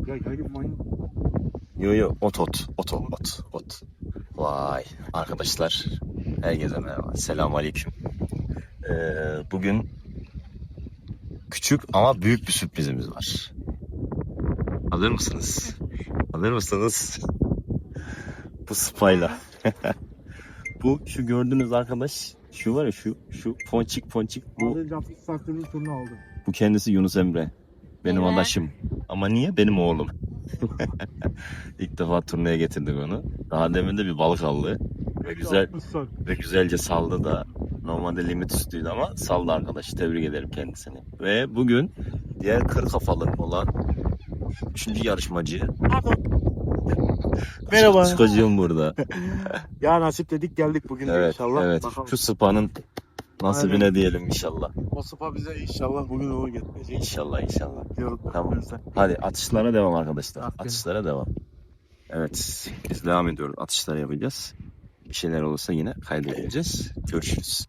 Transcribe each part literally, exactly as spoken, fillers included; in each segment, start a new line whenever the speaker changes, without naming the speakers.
Ya gel manyak.
Yo yo ot ot ot ot ot. Vay arkadaşlar, herkese merhaba. Selamun aleyküm. Ee, bugün küçük ama büyük bir sürprizimiz var. Hazır mısınız? Hazır mısınız? Bu spayla. Bu şu gördüğünüz arkadaş, şu var ya, şu şu ponçik ponçik, bu
Az önce hafif Satürn'ün turunu aldım.
bu kendisi Yunus Emre. Benim
Evet.
adaşım. Ama niye? Benim oğlum. İlk defa turneye getirdik onu. Daha demin de bir balık aldı. Ve güzel ve güzelce saldı da. Normalde limit üstüydü ama saldı arkadaş. Tebrik ederim kendisini. Ve bugün diğer kır kafalı olan üçüncü yarışmacı.
Merhaba.
Psikolojim burada.
Ya nasip dedik geldik bugün de
Evet,
inşallah.
evet.
Bakalım.
Şu sıpanın nasibine
Aynen.
diyelim inşallah.
O sıpa bize inşallah bugün uğur getirecek.
İnşallah inşallah.
Diyorum.
Tamam. Hadi atışlara devam arkadaşlar.
Aferin.
Atışlara devam. Evet, biz devam ediyoruz. Atışlar yapacağız. Bir şeyler olursa yine kaydedeceğiz. Görüşürüz.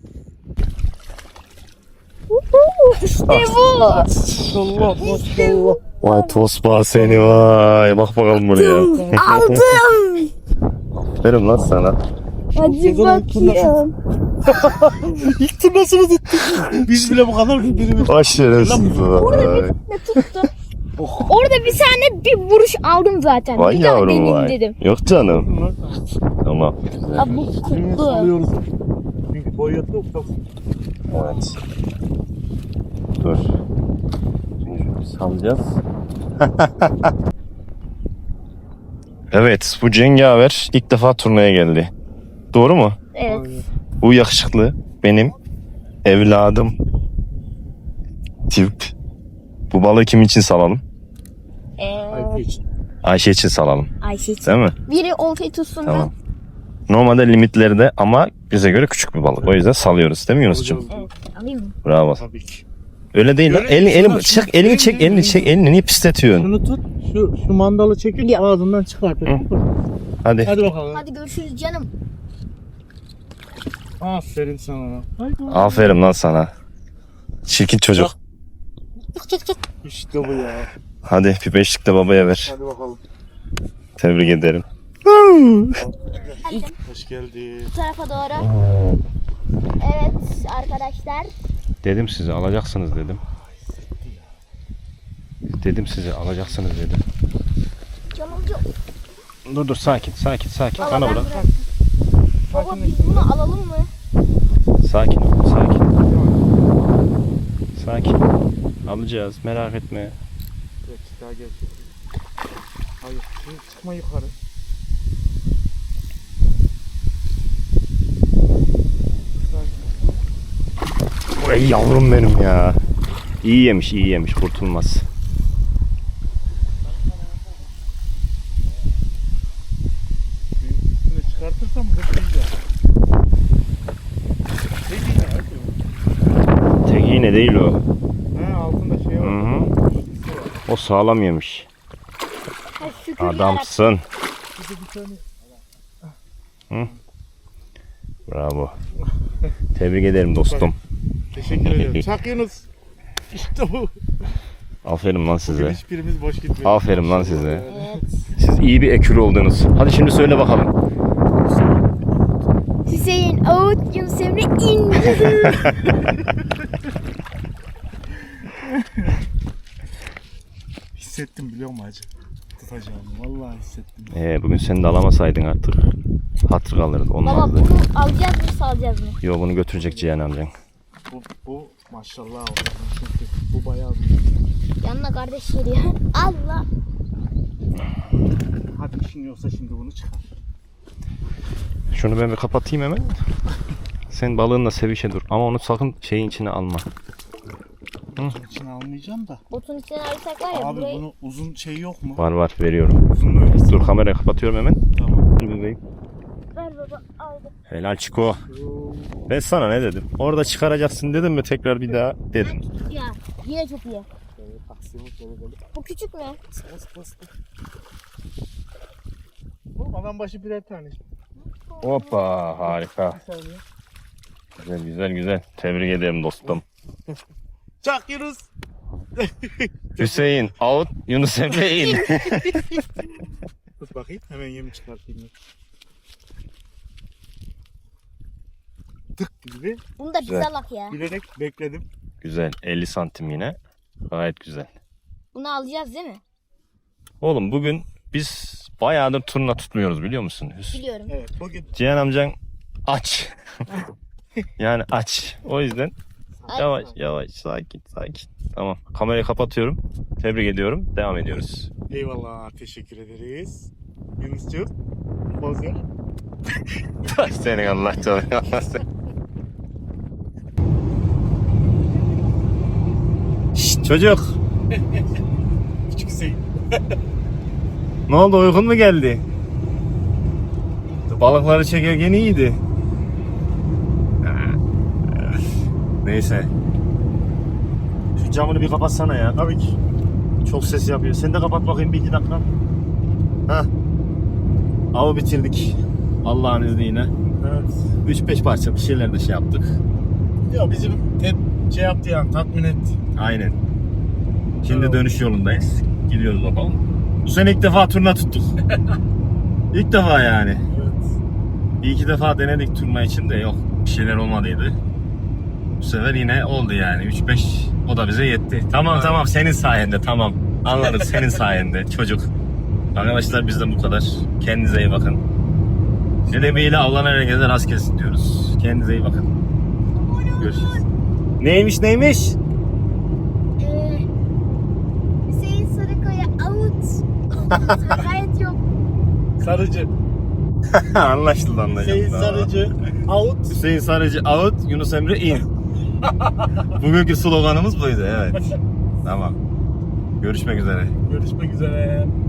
İşte bu.
Allah maşallah.
Vay tosba seni vay. Bak bakalım buraya.
Aldım.
Verim lan sana.
Hadi
Sezonun ilk
bakayım.
İlk turnasını tuttuk. Biz bile bu kadar birbirimiz.
Baş şerefsiz vay.
Ne tuttu? Orada bir tane bir vuruş aldım zaten.
Vay
bir daha
yavrum
deneyeyim
vay.
dedim.
Yok canım. Tamam.
Abi bu
Birbirimizi
tuttu.
salıyoruz. Çünkü boyutlu ufak.
Evet. Dur. Şimdi salacağız. Evet, bu cengaver ilk defa turnaya geldi. Doğru mu?
Evet.
Bu yakışıklı benim evladım. Tip. Bu balığı kim için salalım?
Ee,
Ayşe için.
Ayşe için salalım.
Ayşe için.
Değil mi?
Biri oltayı tutsun da.
Tamam. Normalde limitlerde ama bize göre küçük bir balık. O yüzden salıyoruz değil mi Yunus'cum?
Evet. Alayım mı?
Bravo.
Tabii ki.
Öyle değil lan.
Öyle
Elini,
değil.
elini,
Şunu-
çek,
şunu-
elini çek, elini çek, elini niye pisletiyorsun?
Şunu tut. Şu, şu mandalı çekip ağzından çıkart.
Hadi.
Hadi bakalım.
Hadi görüşürüz canım.
Aferin sana. Haydi.
Aferin lan sana. Çirkin çocuk.
İşte bu ya.
Hadi bir beşlik de babaya ver.
Hadi bakalım.
Tebrik ederim.
Hadi
Hoş geldin.
bu tarafa doğru. Evet arkadaşlar.
Dedim size alacaksınız dedim. Dedim size alacaksınız dedim.
Canım yok.
Dur dur sakin sakin sakin.
Baba,
Bana
ben
bırak.
bırak. Baba biz bunu alalım mı?
Sakin ol sakin. Sakin. Alacağız merak etme.
Evet, daha gel. Hayır, şimdi çıkma yukarı.
Ey yavrum benim ya. İyi yemiş iyi yemiş kurtulmaz.
Şimdi çıkartırsam hırtlayacağım. Peki ne? Hadi.
Tek iğne değil o.
He, altında şey
Hı
var.
hı. O sağlam yemiş.
Ha, şükür yarabbim.
Adamsın.
Bir de bir tane.
Bravo. Tebrik ederim dostum.
Teşekkür ederim. Çak Yunus. İşte bu.
Aferin lan size.
Hiçbirimiz boş gitmiyor.
Aferin lan size.
Evet.
Siz iyi bir ekürü oldunuz. Hadi şimdi söyle bakalım.
Hüseyin Ağut Yunus Emre indi.
Hissettim biliyor musun hacı? Tutacağım. Vallahi hissettim.
Ee, bugün seni de alamasaydın artık. Hatır kalırdı.
Baba
Olmazdı.
bunu alacağız mı salacağız mı?
Yo bunu götürecek Cihan amcan.
Bu, bu maşallah oldu. Çünkü bu bayağı büyük.
Yanına kardeş geliyor. Allah.
Hadi işin yoksa şimdi bunu çıkar.
Şunu ben bir kapatayım hemen. Sen balığınla sevişe dur. Ama onu sakın şeyin içine alma.
Bunun içine almayacağım da.
Botun içine alırsak var ya
Abi
burayı.
bunu uzun şey yok mu?
Var var veriyorum.
Uzun öyle.
Dur kamerayı kapatıyorum hemen.
Tamam.
Dur bebeğim.
Ver baba aldım.
Helal Çiko. Ben sana ne dedim? Orada çıkaracaksın dedim mi tekrar bir daha dedim.
Ya yine çok iyi.
Evet, aksiyonu böyle böyle.
Bu küçük mü?
Bas bas. Oğlum adam başı birer tane.
Hoppa harika.
Bir saniye.
Güzel güzel güzel. Tebrik ederim dostum.
Çak Yunus.
Hüseyin out, Yunus Emre in.
Tut bakayım hemen yemi çıkartayım. ben. Tık gibi
Bunu da
Güzel.
bize bak ya.
bilerek bekledim.
Güzel, elli santim yine. Gayet güzel.
Bunu alacağız değil mi?
Oğlum bugün biz bayağıdır turna tutmuyoruz biliyor musun? Hüs-
Biliyorum.
Evet bugün
Cihan amcan aç. Yani aç. O yüzden
Ay,
yavaş yavaş sakin sakin. Tamam. Kamerayı kapatıyorum. Tebrik ediyorum. Devam ediyoruz.
eyvallah teşekkür ederiz. Yunus'cuğum. Poz ver.
Senin Allah canını. Şşt çocuk.
Küçük Hüseyin.
Ne oldu uykun mu geldi? Balıkları çekerken iyiydi. Neyse. Şu camını bir kapatsana ya.
Tabii ki.
Çok ses yapıyor. Sen de kapat bakayım bir iki dakika. Hah. Avı bitirdik. Allah'ın izniyle.
Evet.
üç beş parça bir şeyler de şey yaptık.
Ya bizim tet şey yaptı yani tatmin etti.
Aynen. Şimdi
Evet.
dönüş yolundayız. Gidiyoruz bakalım. Bu sene ilk defa turna tuttuk. İlk defa yani.
Evet.
Bir iki defa denedik turna için de yok. Bir şeyler olmadıydı. Bu sefer yine oldu yani. üç beş o da bize yetti. Tamam
Evet.
tamam senin sayende tamam. Anladık senin sayende çocuk. Arkadaşlar bizden bu kadar. Kendinize iyi bakın. Sebebiyle avlanan herkese rast gelsin diyoruz. Kendinize iyi bakın. Görüşürüz. Neymiş neymiş?
Ee, Hüseyin Sarıkaya out. Gayet yok.
Sarıcı.
Anlaşıldı anlaşıldı.
Hüseyin Sarıcı. Out.
Hüseyin Sarıcı out, Yunus Emre in. Bugünkü sloganımız buydu evet. Tamam. Görüşmek üzere.
Görüşmek üzere.